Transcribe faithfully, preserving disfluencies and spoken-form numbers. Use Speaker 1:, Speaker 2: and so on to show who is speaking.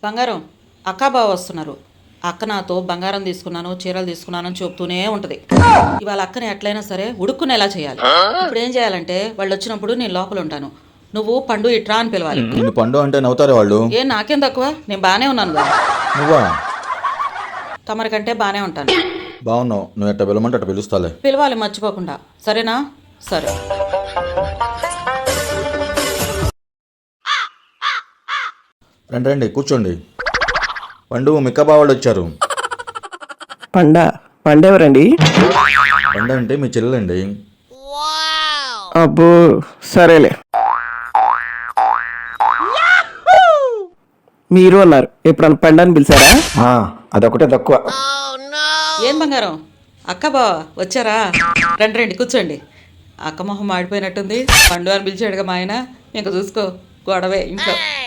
Speaker 1: బంగారం అక్కా బావ వస్తున్నారు. అక్క నాతో బంగారం తీసుకున్నాను, చీరలు తీసుకున్నాను అని చెప్తూనే ఉంటుంది. ఇవాళ అక్కని ఎట్లయినా సరే ఉడుక్కునేలా చేయాలి. ఇప్పుడు ఏం చేయాలంటే వాళ్ళు వచ్చినప్పుడు నేను లోపల ఉంటాను, నువ్వు పండు ఇట్రా అని పిలవాలి.
Speaker 2: నిన్ను పండు అంటే నవ్వుతారే వాళ్ళు.
Speaker 1: ఏం నాకేం తక్కువ, నేను బాగానే ఉన్నాను కదా.
Speaker 2: నువ్వా?
Speaker 1: తమరికంటే బాగానే ఉంటాను.
Speaker 2: బాగున్నావు. నువ్వు ఎట్ట పిలవమంటే అట్ట పిలుస్తాలే.
Speaker 1: పిలవాలి మర్చిపోకుండా, సరేనా? సరే.
Speaker 2: రండి రండి కూర్చోండి. పండు మిక్క బావాళ్ళు వచ్చారు.
Speaker 3: పండ పండ ఎవరండి?
Speaker 2: పండు అంటే మీ చెల్లెలండి.
Speaker 3: అబ్బో సరేలే. మీరు అన్నారు, ఎప్పుడన్నా పండ అని పిలిచారా?
Speaker 4: ఆ, అదొకటే తక్కువ.
Speaker 1: ఏం బంగారం, అక్క బావ వచ్చారా? రండి రండి కూర్చోండి. అక్క మొహం మాడిపోయినట్టుంది. పండు అని పిలిచాడుగా మా ఆయన, ఇంక చూసుకో గొడవే ఇంట్లో.